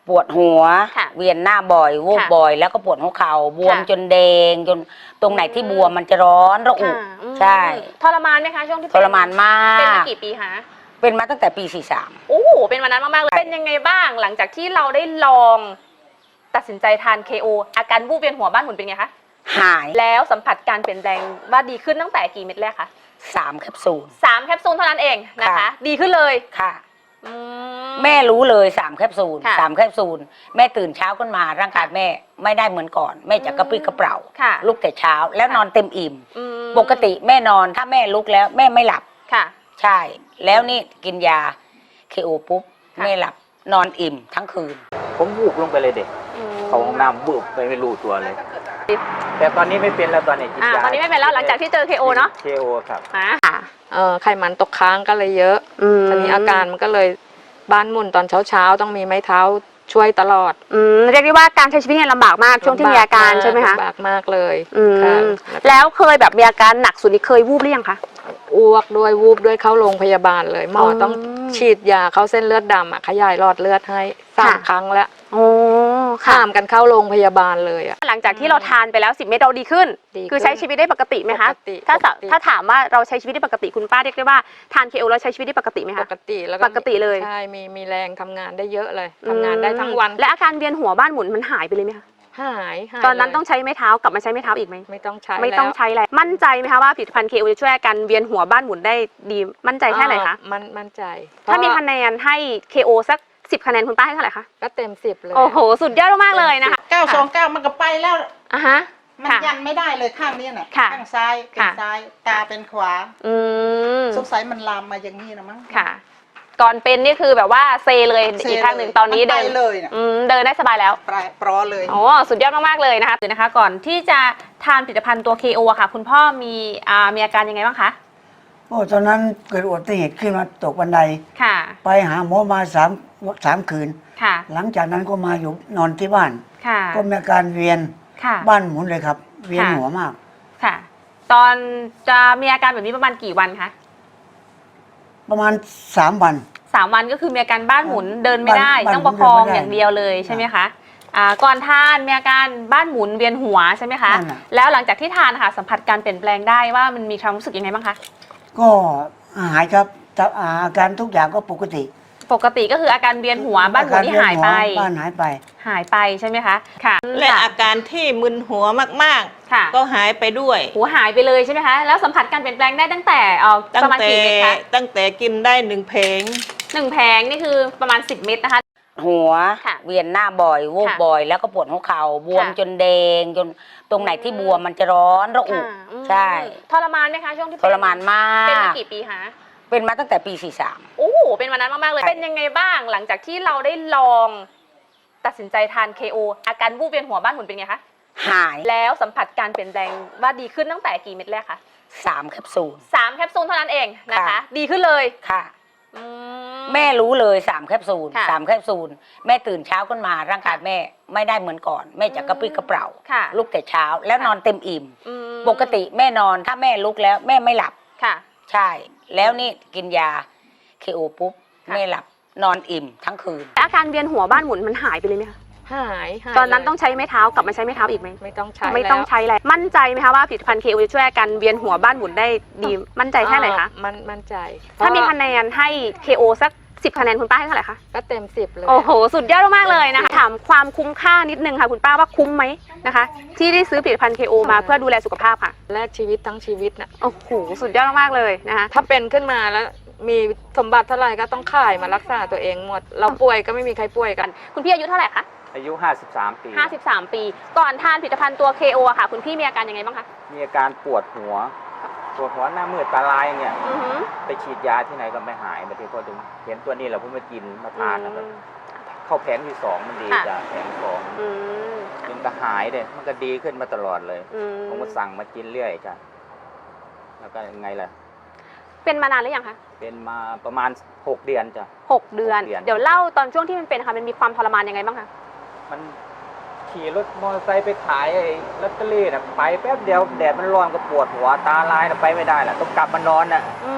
ปวดหัวค่ะเวียนหน้าบ่อยวูบค่ะบ่อย แล้วก็ปวดหัวเข่าบวมค่ะจนแดงจนตรงไหนที่บวมมันจะร้อนระอุค่ะอืมใช่ทรมานไหมคะช่วงที่ทรมานมาเป็นมาก กี่ปีคะเป็นมาตั้งแต่ปี 43 โอ้โหเป็นวันนั้นมากๆเลยเป็นยังไงบ้างหลังจากที่เราได้ลองตัดสินใจทาน KO อาการวูบเวียนหัวบ้านหมุนเป็นไงคะหายแล้วสัมผัสการเปลี่ยนแปลงว่าดีขึ้นตั้งแต่กี่เม็ดแรกคะ 3 แคปซูล 3 แคปซูลเท่านั้นเองนะคะค่ะดีขึ้นเลยค่ะอืแม่รู้เลย3 แคปซูลค่ะ 3 แคปซูลแม่ตื่นเช้าขึ้นมาร่างกายแม่ไม่ได้เหมือนก่อน แม่จะกระปรี้กระเปร่าค่ะลุกแต่เช้าแล้วนอนเต็มอิ่มอืมปกติแม่นอนถ้าแม่ลุกแล้วแม่ไม่หลับค่ะใช่ แล้วนี่กินยา KO ปุ๊บค่ะแม่หลับนอนอิ่มทั้งคืนผมวูบลงไปเลยเด็กอืมเข้าห้องน้ำวูบไปไม่รู้ตัวเลย แต่ตอนนี้ไม่เป็นแล้วตอนนี้กินยาตอนนี้ไม่เป็นแล้วหลังจากที่เจอ KO เนาะ KO ครับค่ะไขมันตกค้างก็เลยเยอะทีนี้อาการมันก็เลยบ้านหมุนตอนเช้าต้องมีไม้เท้าช่วยตลอดเรียกได้ว่าการใช้ชีวิตเนี่ยลำบากมากช่วงที่มีอาการใช่ไหมคะลำบากมากเลยอืมค่ะแล้วเคยแบบมีอาการหนักสุดนี่เคยวูบหรือยังคะอ้วกด้วยวูบด้วยเข้าโรงพยาบาลเลยหมอออต้องฉีดยาเข้าเส้นเลือดดำขยายหลอดเลือดให้3 ค่ะครั้งแล้วโอ้ค่ะข้ามกันเข้าโรงพยาบาลเลยอะหลังจากที่เราทานไปแล้ว10 เม็ดเราดีขึ้นดีขึ้นคือใช้ชีวิตได้ปกติไหมคะปกติถ้าปกติถ้าถามว่าเราใช้ชีวิตได้ปกติคุณป้าเรียกได้ว่าทาน KO แล้วใช้ชีวิตได้ปกติไหมปคะกติแล้วปกติเลยใช่มีแรงทำงานได้เยอะเลยทำงานได้ทั้งวันและอาการเวียนหัวบ้านหมุนมันหายไปเลยไหมคะหายตอนนั้นเลยต้องใช้ไม้เท้ากลับมาใช้ไม้เท้าอีกไหมไม่ต้องใช้ไม่ต้องแล้วใช้แล้วมั่นใจไหมคะว่าผลิตภัณฑ์ KO จะช่วยอาการเวียนหัวบ้านหมุนได้ดีมั่นใจแค่ไหนคะมั่นใจถ้ามีเพระคะแนนให้ KO สัก10 คะแนนคุณป้าให้เท่าไหร่คะก็เต็ม10เลยโอ้โหสุดยอดมากๆเลยนะคะ 929มันก็ไปแล้วอ่ะฮะมันค่ะยันไม่ได้เลยข้างนี้น่ะค่ะข้างซ้ายเป็นค่ะซ้าย ตาเป็นขวาอืมสงสัยมันลามมาอย่างนี้นะมั้งค่ะ ก่อนเป็นนี่คือแบบว่าเซเลยเซอีกข้างหนึ่งเลยตอนนี้มันเดิไปนเลยน่ะเดินได้สบายแล้วปลอเลยโอ้สุดยอดมากๆเลยนะคะเดี๋ยวนะคะ ก่อนที่จะทานผลิตภัณฑ์ตัว KO อะค่ะ คุณพ่อมีอาการยังไงบ้างคะโอ้ตอนนั้นเกิดอุบัติเหตุขึ้นมาตกบันไดค่ะไปหาหมอมาสามคืนค่ะหลังจากนั้นก็มาอยู่นอนที่บ้านค่ะก็มีอาการเวียนค่ะบ้านหมุนเลยครับ เวียนค่ะหัวมากค่ะ ตอนจะมีอาการแบบนี้ประมาณกี่วันคะประมาณ3 วัน 3 วันก็คือมีอาการบ้านหมุนเดินไม่ได้บ้านต้องประคองเดินไม่ได้อย่างเดียวเลยใช่ไหมคะก่อนทานมีอาการบ้านหมุนเวียนหัวใช่ไหมคะนั่นน่ะแล้วหลังจากที่ทานค่ะสัมผัสการเปลี่ยนแปลงได้ว่ามันมีความรู้สึกยังไงบ้างคะก็หายครับแต่อาการทุกอย่างก็ปกติปกติก็คืออาการเวียนหัวบ้านหมุนที่หายไปบ้านหายไปหายไปใช่ไหมคะค่ะและอาการที่มึนหัวมากค่ะๆ ก็หายไปด้วยหัวหายไปเลยใช่ไหมคะแล้วสัมผัสการเปลี่ยนแปลงได้ตั้งแต่ตั้งประมาณแต่กี่เม็ดคะตั้งแต่กินได้1 เพลง 1 แผงนี่คือประมาณ10 เม็ดนะคะหัวค่ะเวียนหน้าบ่อยวูบค่ะบ่อย แล้วก็ปวดหัวเข่าบวมค่ะจนแดงจนตรงไหนที่บวมมันจะร้อนระอุค่ะอืมใช่ทรมานไหมคะช่วงที่ทรมานมาเป็นมาก กี่ปีคะเป็นมาตั้งแต่ปี 43 โอ้โหเป็นวันนั้นมากๆเลย เป็นยังไงบ้างหลังจากที่เราได้ลองตัดสินใจทาน KO อาการวูบเวียนหัวบ้านหมุนเป็นไงคะหายแล้วสัมผัสการเปลี่ยนแปลงว่าดีขึ้นตั้งแต่กี่เม็ดแรกคะ 3 แคปซูล 3 แคปซูลเท่านั้นเองนะคะค่ะดีขึ้นเลยค่ะอืแม่รู้เลย3 แคปซูลค่ะ 3 แคปซูลแม่ตื่นเช้าขึ้นมาร่างกายแม่ไม่ได้เหมือนก่อน แม่จะกระปรี้กระเปร่าค่ะลุกแต่เช้าแล้วนอนเต็มอิ่มอืมปกติแม่นอนถ้าแม่ลุกแล้วแม่ไม่หลับค่ะใช่ แล้วนี่กินยา KO ปุ๊บค่ะแม่หลับนอนอิ่มทั้งคืนอาการเวียนหัวบ้านหมุนมันหายไปเลยไหมคะหายตอนนั้นเลยต้องใช้ไม้เท้ากลับมาใช้ไม้เท้าอีกไหมไม่ต้องใช้ไม่ต้องแล้วใช้แล้วมั่นใจไหมคะว่าผลิตภัณฑ์ KO จะช่วยอาการเวียนหัวบ้านหมุนได้ดีมั่นใจแค่ไหนคะมั่นใจถ้ามีเพคะระแนนให้ KO สัก10 คะแนนคุณป้าให้เท่าไหร่คะก็เต็ม10เลยโอ้โห สุดยอดมากๆเลยนะคะ ถามความคุ้มค่านิดนึงค่ะ คุณป้าว่าคุ้มไหมนะคะ ที่ได้ซื้อผลิตภัณฑ์ KO มาเพื่อดูแลสุขภาพค่ะแลกชีวิตทั้งชีวิตน่ะโอ้โห สุดยอดมากๆเลยนะคะถ้าเป็นขึ้นมาแล้วมีสมบัติเท่าไหร่ก็ต้องขายมารักษาตัวเองหมด เราป่วยก็ไม่มีใครป่วยกันคุณพี่อายุเท่าไหร่คะอายุ 53 ปี 53 ปี ก่อนทานผลิตภัณฑ์ตัว KO อะค่ะ คุณพี่มีอาการยังไงบ้างคะมีอาการปวดหัวหน้ามืดตาลายอย่างเงี้ยอือหือไปฉีดยาที่ไหนก็ไม่หายบางทีพอถึงเห็นตัวนี้แหละผมมากินมาทานนะครับอืมเข้าแผงที่ 2 มันดีค่ะจ้ะแผงที่อืม 2มันก็หายเลยมันก็ดีขึ้นมาตลอดเลยอืมผมก็สั่งมากินเรื่อยจ้ะแล้วก็ยังไงล่ะเป็นมานานหรือยังคะเป็นมาประมาณ 6 เดือนจ้ะ 6 เดือน 6 เดือนเดี๋ยวเล่าตอนช่วงที่มันเป็นค่ะ มันมีความทรมานยังไงบ้างคะมันขี่รถมอเตอร์ไซค์ไปขายไอ้ลอตเตอรี่น่ะไปแป๊บเดียวแดดมันร้อนก็ปวดหัวตาลายน่ะไปไม่ได้น่ะต้องกลับมานอนน่ะมี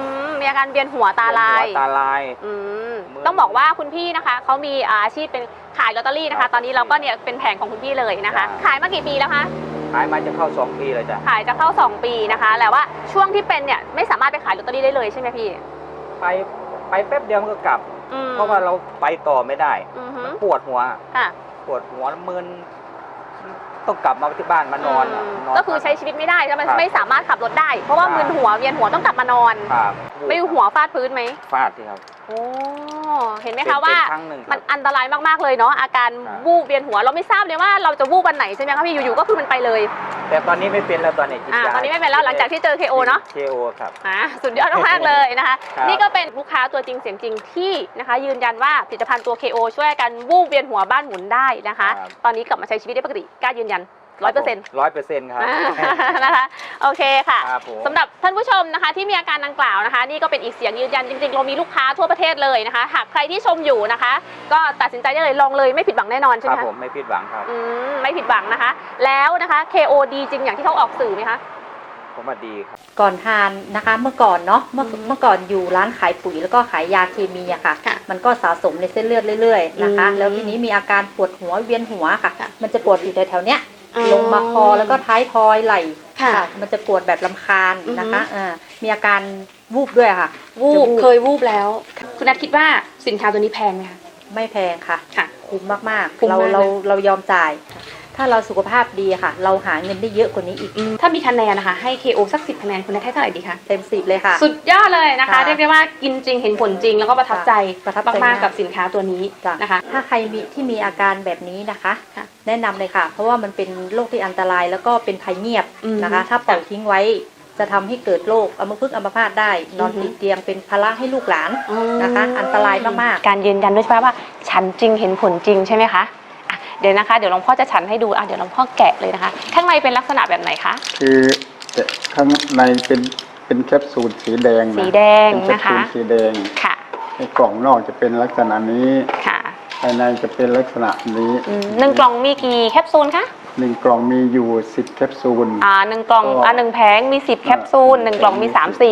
มีอาการเวียนหัวตาลายหัวตาลายอืมมือต้องบอกว่าคุณพี่นะคะเขามีอาชีพเป็นขายลอตเตอรี่นะครัคะบตอนนี้เราก็เนี่ยเป็นแผงของคุณพี่เลยนะคะครับขายมากี่ปีแล้วคะขายมาจะเข้า2 ปีเลยจ้ะขายจะเข้า 2 ปีนะคะแต่ว่าช่วงที่เป็นเนี่ยไม่สามารถไปขายลอตเตอรี่ได้เลยใช่ไหมพี่ไปแป๊บเดียวมันก็กลับอืมเพราะว่าเราไปต่อไม่ได้อือฮึมันปวดหัวค่ะปวดหัวมึนต้องกลับมาที่บ้านมานอนมก็คือใช้ชีวิตไม่ได้แล้วมันครับไม่สามารถขับรถได้ เพราะว่าครับมึนหัวเวียนหัวต้องกลับมานอนครับไม่หัวฟาดพื้นไหมฟาดที่ครับโอ้เห็นไหมคะว่าเป็นครั้งหนึ่งครับมันอันตรายมากๆเลยเนาะอาการครับวูบเวียนหัวเราไม่ทราบเลยว่าเราจะวูบวันไหนใช่ไหมคะพี่อยู่ๆก็คือมันไปเลยแต่ตอนนี้ไม่เป็นแล้วตอนนี้กินยาตอนนี้ไม่เป็นแล้วหลังจากที่เจอ KO เนาะ KO ครับสุดยอดมากๆเลยนะคะครับนี่ก็เป็นลูกค้าตัวจริงเสียงจริงที่นะคะยืนยันว่าผลิตภัณฑ์ตัว KO ช่วยกันวูบเวียนหัวบ้านหมุนได้นะคะครับตอนนี้กลับมาใช้ชีวิตได้ปกติกล้ายืนยัน 100% 100%ครับนะคะโอเคค่ะครับผมสำหรับท่านผู้ชมนะคะที่มีอาการดังกล่าวนะคะ นี่ก็เป็นอีกเสียงยืนยันจริงๆเรามีลูกค้าทั่วประเทศเลยนะคะ หากใครที่ชมอยู่นะคะ ก็ตัดสินใจได้เลยลองเลยไม่ผิดหวังแน่นอนใช่คไหรัมบคะผมไม่ผิดหวังครับไม่ผิดหวังนะคะ แล้วนะคะ KO ดีจริงอย่างที่เขาออกสื่อไหมคะผมว่าดีครับก่อนทานนะคะเมื่อก่อนเนาะเมื่อก่อนอยู่ร้านขายปุ๋ยแล้วก็ขายยาเคมีอะค่ะค่ะมันก็สะสมในเส้นเลือดเรื่อยๆนะคะอืมแล้วทีนี้มีอาการปวดหัวเวียนหัวค่ะค่ะมันจะปวดอยู่แถวๆเนี้ยอ๋อลงมาคอแล้วก็ท้ายทอยไหล่ค่ะมันจะปวดแบบลำคาญนะคะอือฮึมีอาการวูบด้วยค่ะวูบจะเคยวูบแล้ว คุณนัทคิดว่าสินค้าตัวนี้แพงไหมคะไม่แพงค่ะค่ะคุ้มมากคุ้ๆมเรามากเรายอมจ่าย ถ้าเราสุขภาพดีค่ะ เราหาเงินได้เยอะกว่านี้อีกถ้ามีคะแนนนะคะให้ KO สัก10คะแนนคุณนัทให้เท่าไหร่ดีคะเต็ม10เลยค่ะสุดยอดเลยนะคะค่ะเรียกได้ว่ากินจริงเห็นผลจริงแล้วก็ประทับใจประทับใจมากมากๆกับสินค้าตัวนี้จ้ะนะคะถ้าใครมีอาการแบบนี้นะคะค่ะแนะนำเลยค่ะ เพราะว่ามันเป็นโรคที่อันตรายแล้วก็เป็นภัยเงียบอืมนะคะ ถ้าปล่อยทิ้งไว้จะทำให้เกิดโรคอัมพฤกษ์อัมพาตได้ นอนอือฮึติดเตียงเป็นภาระให้ลูกหลานนะคะ อันตรายมากๆการยืนยันด้วยใช่ไหมว่าฉันจริงเห็นผลจริงใช่ไหมคะอ่ะเดี๋ยวนะคะเดี๋ยวหลวงพ่อจะฉันให้ดูเดี๋ยวหลวงพ่อแกะเลยนะคะ ข้างในเป็นลักษณะแบบไหนคะคือข้างในเป็นแคปซูลสีแดงนะสีแดงเป็นแคปนะคะซูลสีแดงค่ะในกล่องนอกจะเป็นลักษณะนี้ค่ะภายในจะเป็นลักษณะนี้หนึ่งกล่องมีกี่แคปซูลคะ 1 กล่องมีอยู่10 แคปซูลหนึ่งกล่องหนึ่งแผงมี10แคปซูลหนึ่งกล่องมี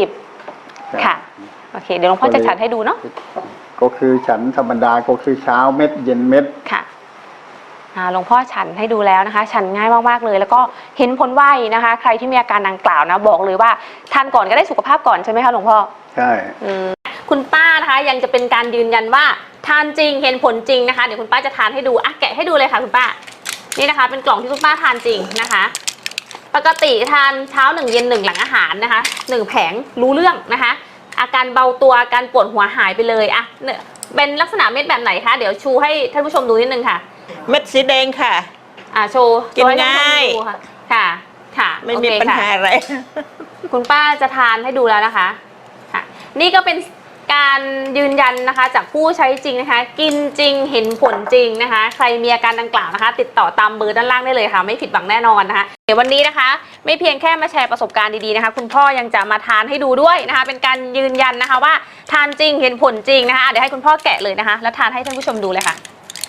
30ค่ะโอเคเดี๋ยวหลวงพ่อจะฉันให้ดูเนาะก็คือฉันธรรมดาก็คือเช้าเม็ดเย็นเม็ดค่ะหลวงพ่อฉันให้ดูแล้วนะคะ ฉันง่ายมากๆเลย แล้วก็เห็นผลไวนะคะ ใครที่มีอาการดังกล่าวนะบอกเลยว่าทานก่อนก็ได้สุขภาพก่อนใช่ไหมคะหลวงพ่อใช่คุณป้านะคะยังจะเป็นการยืนยันว่าทานจริงเห็นผลจริงนะคะเดี๋ยวคุณป้าจะทานให้ดูแกะให้ดูเลยค่ะคุณป้านี่นะคะ เป็นกล่องที่คุณป้าทานจริงนะคะ ปกติทานเช้า1เย็น1หลังอาหารนะคะ1แผงรู้เรื่องนะคะ อาการเบาตัวอาการปวดหัวหายไปเลยเนี่ยเป็นลักษณะเม็ดแบบไหนคะเดี๋ยวชูให้ท่านผู้ชมดูนิดนึงค่ะเม็ดสีแดงค่ะโชว์กินโชว์ให้ท่ผู้ชมง่ายดูค่ะค่ะค่ะไม่มีโอเคปัญค่ะหาอะไรคุณป้าจะทานให้ดูแล้วนะคะค่ะนี่ก็เป็นการยืนยันนะคะจากผู้ใช้จริงนะคะ กินจริงเห็นผลจริงนะคะ ใครมีอาการดังกล่าวนะคะ ติดต่อตามเบอร์ด้านล่างได้เลยค่ะไม่ผิดหวังแน่นอนนะคะเดี๋ยววันนี้นะคะ ไม่เพียงแค่มาแชร์ประสบการณ์ดีๆนะคะ คุณพ่อยังจะมาทานให้ดูด้วยนะคะ เป็นการยืนยันนะคะว่าทานจริงเห็นผลจริงนะคะเดี๋ยวให้คุณพ่อแกะเลยนะคะแล้วทานให้ท่านผู้ชมดูเลยค่ะ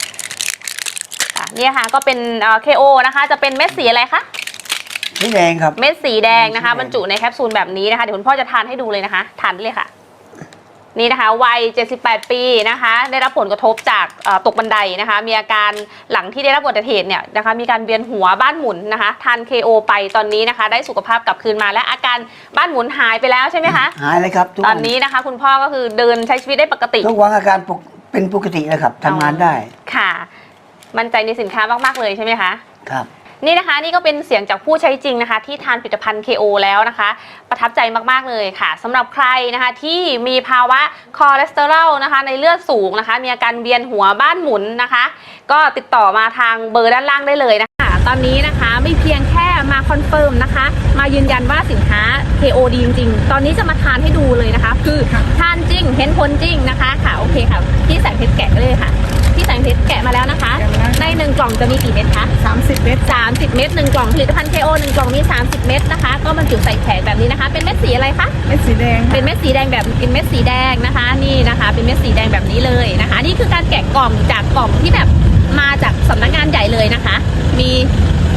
เนี่ยค่ะก็เป็นKO นะคะจะเป็นเม็ดสีอะไรคะสีแดงครับเม็ดสีแดงนะคะสีแดงบรรจุในแคปซูลแบบนี้นะคะเดี๋ยวคุณพ่อจะทานให้ดูเลยนะคะทานได้เลยค่ะนี่นะคะวัย78 ปีนะคะได้รับผลกระทบจากตกบันไดนะคะมีอาการหลังที่ได้รับอุบัติเหตุเนี่ยนะคะมีการเวียนหัวบ้านหมุนนะคะทาน KO ไปตอนนี้นะคะได้สุขภาพกลับคืนมาและอาการบ้านหมุนหายไปแล้วใช่ไหมคะหายเลยครับทุกตวัอนนี้นะคะคุณพ่อก็คือเดินใช้ชีวิตได้ปกติทุกวันอาการเป็นปกติแล้วครับทำงานได้ค่ะมั่นใจในสินค้ามากๆเลยใช่ไหมคะครับนี่นะคะนี่ก็เป็นเสียงจากผู้ใช้จริงนะคะที่ทานผลิตภัณฑ์ KO แล้วนะคะประทับใจมากๆเลยค่ะสำหรับใครนะคะที่มีภาวะคอเลสเตอรอลนะคะในเลือดสูงนะคะมีอาการเวียนหัวบ้านหมุนนะคะ ก็ติดต่อมาทางเบอร์ด้านล่างได้เลยนะคะตอนนี้นะคะไม่เพียงแค่มาคอนเฟิร์มนะคะมายืนยันว่าสินค้า KO ดีจริงๆตอนนี้จะมาทานให้ดูเลยนะคะคือทานจริงเห็นผลจริงนะคะค่ะโอเคค่ะพี่แสงเพชรแกะเลยค่ะพี่แสงเพชรแกะมาแล้วนะคะใน1กล่องจะมีกี่เม็ดคะ30 เม็ด30 เม็ด1กล่องผลิตภัณฑ์ KO 1กล่องมี30 เม็ดนะคะก็บรรจุใส่แผงแบบนี้นะคะเป็นเม็ดสีอะไรคะเม็ดสีแดงเป็นเม็ดสีแดงแบบเป็นเม็ดสีแดงนะคะนี่นะคะเป็นเม็ดสีแดงแบบนี้เลยนะคะนี่คือการแกะกล่องจากกล่องที่แบบมาจากสำนักงานใหญ่เลยนะคะมี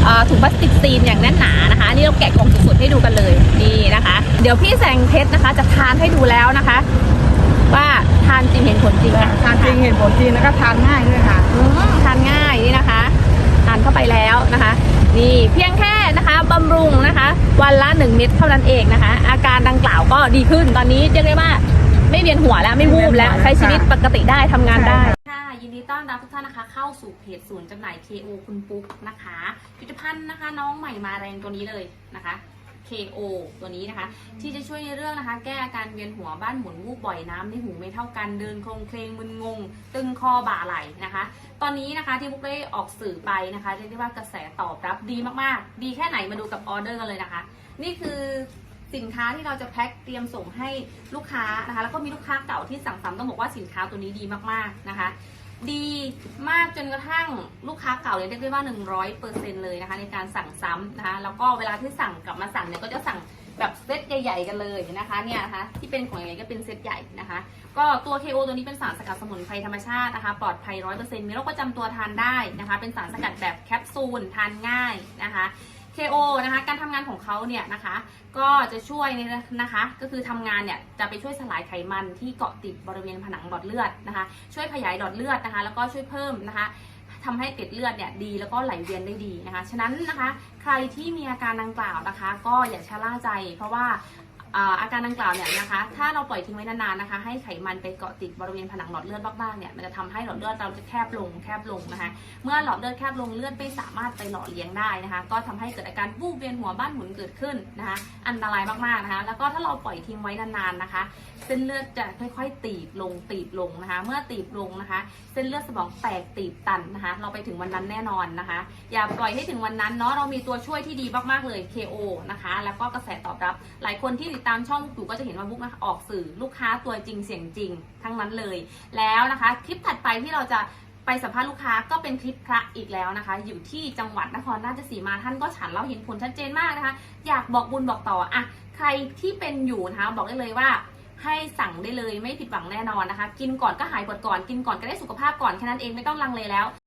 ถุงพลาสติกซีนอย่างแน่นหนานะคะนี่เราแกะกล่องสดๆให้ดูกันเลยนี่นะคะ เดี๋ยวพี่แสงเพชรนะคะจะทานให้ดูแล้วนะคะ ว่าทานจริงเห็นผลจริงค่ะทานจริงเห็นผลจริงแล้วก็ทานง่ายด้วยค่ะทานง่ายนี่นะคะทานเข้าไปแล้วนะคะนี่เพียงแค่นะคะบำรุงนะคะวันละ1 เม็ดเท่านั้นเองนะคะ อาการดังกล่าวก็ดีขึ้นตอนนี้เรียกได้ว่าไม่เวียนหัวแล้วไม่วูบแล้วใช้ชีวิตปกติได้ทำงานได้ค่ะยินดีต้อนรับทุกท่านนะคะเข้าสู่เพจศูนย์จำหน่าย KO คุณปุ๊กนะคะผลิตภัณฑ์นะคะน้องใหม่มาแรงตัวนี้เลยนะคะ KO ตัวนี้นะคะที่จะช่วยในเรื่องนะคะแก้อาการเวียนหัวบ้านหมุนวูบบ่อยน้ำในหูไม่เท่ากันเดินโคลงเคลงมึนงงตึงคอบ่าไหล่นะคะตอนนี้นะคะที่บุ๊กได้ออกสื่อไปนะคะเรียกได้ว่ากระแสตอบรับดีมากๆดีแค่ไหนมาดูกับออเดอร์กันเลยนะคะนี่คือสินค้าที่เราจะแพ็คเตรียมส่งให้ลูกค้านะคะแล้วก็มีลูกค้าเก่าที่สั่งซ้ำต้องบอกว่าสินค้าตัวนี้ดีมากๆนะคะดีมากจนกระทั่งลูกค้าเก่าเรียกได้ว่า 100% เลยนะคะในการสั่งซ้ำนะคะแล้วก็เวลาที่สั่งกลับมาสั่งเนี่ยก็จะสั่งแบบเซตใหญ่ๆกันเลยนะคะเนี่ยนะคะที่เป็นของใหญ่ก็เป็นเซตใหญ่นะคะก็ตัว KO ตัวนี้เป็นสารสกัดสมุนไพรธรรมชาตินะคะปลอดภัย 100% มีโรคประจำตัวทานได้นะคะเป็นสารสกัดแบบแคปซูลทานง่ายนะคะ KO นะคะการทำงานของเขาเนี่ยนะคะก็จะช่วยนะคะก็คือทำงานเนี่ยจะไปช่วยสลายไขมันที่เกาะติดบริเวณผนังหลอดเลือดนะคะช่วยขยายหลอดเลือดนะคะแล้วก็ช่วยเพิ่มนะคะทำให้เกล็ดเลือดเนี่ยดีแล้วก็ไหลเวียนได้ดีนะคะฉะนั้นนะคะใครที่มีอาการดังกล่าวนะคะก็อย่าชะล่าใจเพราะว่าอาการดังกล่าวเนี่ยนะคะถ้าเราปล่อยทิ้งไว้นานๆนะคะให้ไขมันไปเกาะติดบริเวณผนังหลอดเลือดมากๆเนี่ยมันจะทำให้หลอดเลือดเราจะแคบลงนะคะเมื่อหลอดเลือดแคบลงเลือดไม่สามารถไปหล่อเลี้ยงได้นะคะก็ทำให้เกิดอาการวูบเวียนหัวบ้านหมุนเกิดขึ้นนะคะอันตรายมากๆนะคะแล้วก็ถ้าเราปล่อยทิ้งไว้นานๆนะคะเส้นเลือดจะค่อยๆตีบลงนะคะเมื่อตีบลงนะคะเส้นเลือดสมองแตกตีบตันนะคะเราไปถึงวันนั้นแน่นอนนะคะอย่าปล่อยให้ถึงวันนั้นเนาะเรามีตัวช่วยที่ดีมากๆเลย KO นะคะแล้วก็กระแสตอบรับหลายคนที่ติดตามช่องบุ๊กก็จะเห็นว่าบุ๊กออกสื่อลูกค้าตัวจริงเสียงจริงทั้งนั้นเลยแล้วนะคะคลิปถัดไปที่เราจะไปสัมภาษณ์ลูกค้าก็เป็นคลิปพระอีกแล้วนะคะอยู่ที่จังหวัดนครราชสีมาท่านก็ฉันเราเห็นผลชัดเจนมากนะคะอยากบอกบุญบอกต่ออ่ะใครที่เป็นอยู่นะคะบอกได้เลยว่าให้สั่งได้เลยไม่ผิดหวังแน่นอนนะคะกินก่อนก็หายปวดก่อนกินก่อนก็ได้สุขภาพก่อนแค่นั้นเองไม่ต้องลังเลแล้ว